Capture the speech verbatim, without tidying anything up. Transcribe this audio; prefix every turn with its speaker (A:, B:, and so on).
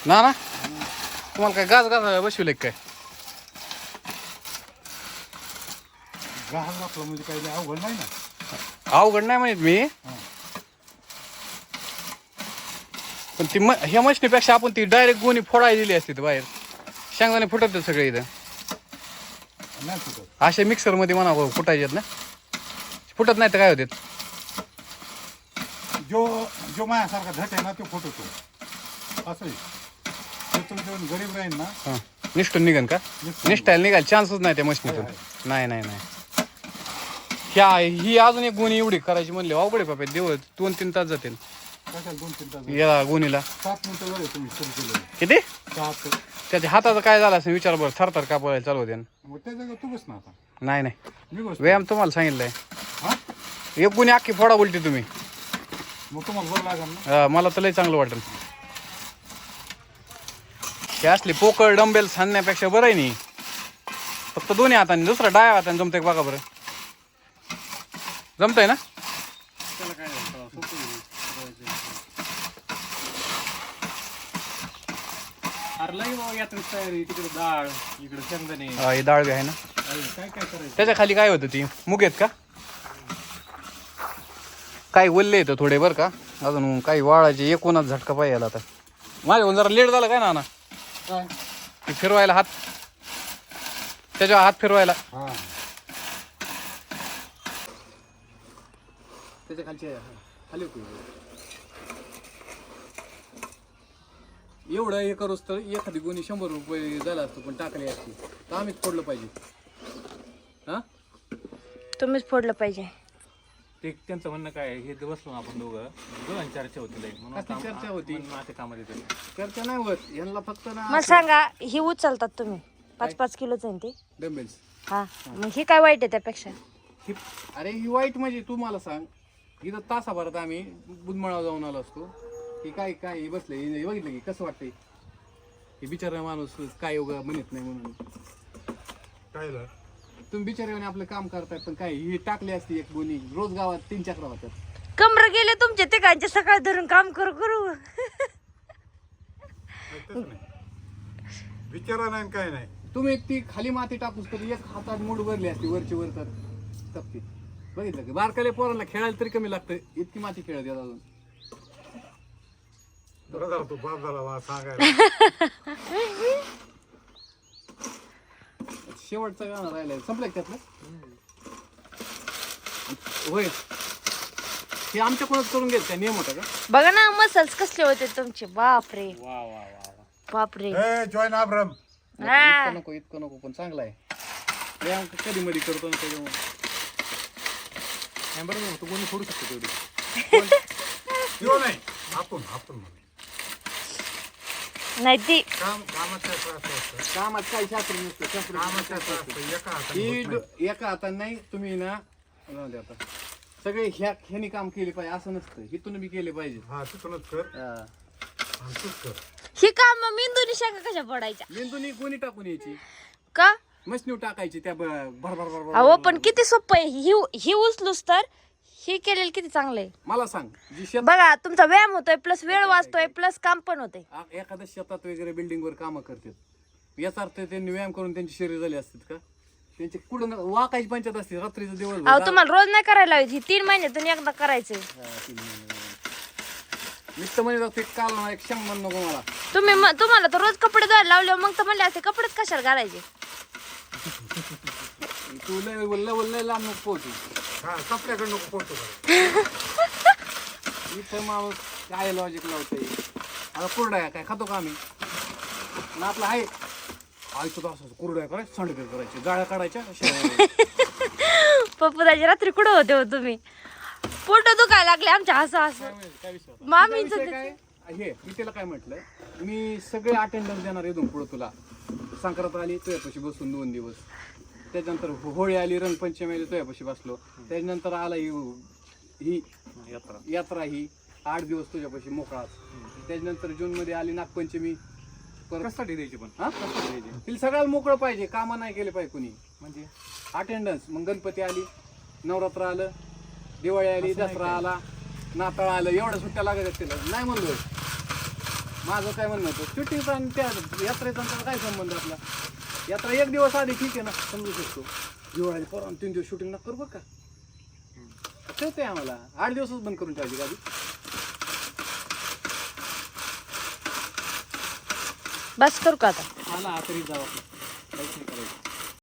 A: ना ना तुम्हाला काय गाज गाज बसविले काय
B: गाज घातलं म्हणजे काही अवघड नाही ना.
A: अवघड नाही म्हणत मी पण ती म ह्या मशनीपेक्षा आपण ती डायरेक्ट गोणी फोडायला दिली असती बाहेर शेंगदाणे फुटत सगळे इथं
B: नाही फुटत.
A: असे मिक्सर मध्ये म्हणा फुटायचे ना फुटत नाही तर काय होते
B: जो जो माझ्यासारखा झट आहे ना तो फुटतो असं आहे. गरीब राहील ना
A: हां निष्ठून निघन का निष्ठायला निघायला चान्सच नाही त्या मशनीतून नाही नाही नाही ह्या ही अजून एक गोणी एवढी करायची म्हणली अवघड आहे बाबा दिवस दोन तीन तास जातील
B: दोन तीन तास
A: या गोणीला
B: सात मिनिटं वेळ तुम्ही सुरू केलं
A: किती
B: सात
A: त्याच्या हाताचं काय झालं असं विचार बरं थरथर कापायला चालू होते
B: मग त्या जागा तू बस ना आता
A: नाही नाही
B: मी बस
A: व्यायाम तुम्हाला सांगितलंय
B: हा
A: एक गुन्हे अख्खी फोडा बोलते तुम्ही
B: मग तुम्हाला बरं लागेल ना.
A: हा, मला तर लय चांगलं वाटेल हे असली पोकळ डंबेल सांगण्यापेक्षा बरं आहे नाही फक्त दोन्ही हाताने दुसरा डाव्या हाताने जमतंय बघा बरं जमतंय ना
C: त्याला काय झालं सोपं अरे लई बाबा यात्रेत तयारी तिकडे डाळ इकडे शेंगदाणे
A: हा, हे डाळ बी आहे ना
C: काय काय करायचं
A: त्याच्या खाली काय होतं ती मुग आहेत का काही ओल्ले येतं थोडे बरं का अजून काही वाळाचे एकूणच झटका पाहिजे याला आता माझ्या जरा लेट झालं काय ना ना
B: काय
A: ते फिरवायला हात त्याच्यावर हात फिरवायला
B: हा
A: त्याच्या खालची खाली एवढं हे करूच तर एखादी गोणी शंभर रुपये झाला असतो पण टाकली असती तर आम्हीच फोडलं पाहिजे हा
D: तुम्हीच फोडलं पाहिजे.
C: ते त्यांचं म्हणणं काय आहे, हे बसलो ना आपण दोघं दोघांची चर्चा होती लई म्हणून
A: कसली
C: काम-
A: चर्चा होती?
C: म्हणून माझ्या कामात येते
A: चर्चा नाही होत यांना फक्त ना
D: मला सांगा ही उचलतात तुम्ही पाच पाच किलोच आहे ना ती
A: डंबेल्स
D: हा मग ही काय वाईट आहे त्यापेक्षा
A: ही अरे ही वाईट म्हणजे तू मला सांग इथं तासाभरात आम्ही बुधमळावर जाऊन आलो असतो की काय काय हे बसले हे बघितलं की कसं वाटतंय हे बिचारा माणूस काय उगा म्हणत नाही म्हणून
B: काय झालं?
A: तुम्ही बिचाऱ्याने आपलं काम करताय पण काय ही टाकली असती एक गोणी रोज गावात तीन चक्र होतात
D: कमर गेले तुमचे तिघांचे सकाळ धरून काम करू करू
B: तसं नाही. विचारा नाही काय नाही.
A: तुम्ही एक ती खाली माती टाकूस तर एक हातात मूड भरली असती वरची वर तर तपती बघितलं की बारकाले पोरांना खेळायला तरी कमी लागतं इतकी माती खेळत येत अजून
B: बरं झालं तू बाप झाला मला सांगायला.
A: शेवटचं गाणं राहिलंय संपलं का त्यातलं होय हे आमच्याकडूनच करून घेत काय नियम होता का
D: बघा ना मसल्स कसले होते तुमचे बापरे
C: वा वा वा वा
D: बापरे
B: ए जॉईन आब्रम
D: हा.
A: इतकं नको इतकं नको पण चांगला आहे व्यायाम कधी मध्ये करतो ना त्याच्यामुळे
C: नाही बरोबर तू कोणी फोडू शकतो तेवढी
B: किंवा नाही आपण आपण म्हणे.
D: नाही ती
B: काम कामाचं असं असतं.
A: कामात काही शास्त्र नसतं शास्त्र
B: कामाचं असं असतं. एका हाताने
A: ही
B: होत नाही.
A: ड- एका हाताने नाही तुम्ही ना राहू दे आता सगळे ह्या ह्यानी काम केले पाहिजे असं नसतं हिथून बी केले पाहिजे
B: हा तिथूनच कर
A: हा.
B: आणि तूच कर.
D: ही काम मेंदूनी शाखा कशा पडायच्या
A: मेंदूनी कोणी टाकून यायची
D: का
A: मशनीव टाकायची त्या ब- भर भर भर भर
D: अहो पण किती सोपं आहे ही ही उचलूस तर ही केलेलं किती चांगलं आहे
A: मला सांग जी शेत
D: बघा तुमचा व्यायाम होतोय प्लस वेळ वाचतोय प्लस काम पण होतंय
A: आ- एखाद्या शेतात वगैरे बिल्डिंग वर कामं करतात याचा अर्थ त्यांनी व्यायाम करून त्यांची शरीर झाली असतात का त्यांचे कुठं न- वाकायची पंचायत असते रात्रीचं दिवस
D: अहो तुम्हाला रोज नाही करायला हवी ही तीन महिन्यातून एकदा करायचंय
A: नुसतं म्हणजे ते काल ना एक शंभर नको मला
D: तुम्ही म- तुम्हाला तर रोज कपडे धुवायला लावले मग तर म्हणले असे कपडेच कशाला घालायचे
A: तू लय लय लय लांब नको पोहोचू
B: हा कपड्याकडे नको पोहोचतो बरं.
A: इथं माणूस काय लॉजिक लावते आता कुरड्या काय खातो का आम्ही ना आपलं आहे आयचं तर असं कुरड्या करायचं सांडगे करायचे गाळ्या काढायच्या
D: पप्पूदाची रात्री कुठं होते हो तुम्ही पोट दुखायला लागले आमच्या हसं हसं
A: काय विषय होता?
D: मामीच
A: विषय काय हे मी त्याला काय म्हटलं मी सगळे अटेंडन्स देणार इथून पुढं तुला संक्रांत आली तुझ्यापाशी बसून दोन दिवस त्याच्यानंतर हो- होळी आली रंगपंचमी आली तुझ्यापाशी बसलो त्याच्यानंतर आला ही ही
C: यात्रा
A: यात्रा ही आठ दिवस तुझ्यापाशी मोकळाच त्याच्यानंतर जून मध्ये आली नागपंचमी परत
C: कशासाठी द्यायची पण
A: हा
C: कशासाठी द्यायची
A: तिला सगळ्याला मोकळं पाहिजे कामं नाही केले पाहिजे कुणी
C: म्हणजे
A: अटेंडन्स मग गणपती आली नवरात्र आलं दिवाळी आली दसरा आला नाताळ आलं एवढ्या सुट्ट्या लागत तिला नाही म्हणलो माझं काय म्हणणं होतं शूटिंगचा आणि त्या यात्रेचा आणि त्याचा काय संबंध आपला. यात्रा एक दिवस आधी ठीक आहे ना, समजू शकतो. दिवाळी परवा तीन दिवस शूटिंग नका करू बरं का. कळतंय आम्हाला, आठ दिवसच बंद करून ठेवायची गाडी.
D: बस करू का आता?
C: आला तरी जाऊ आपण काहीच नाही करायचं.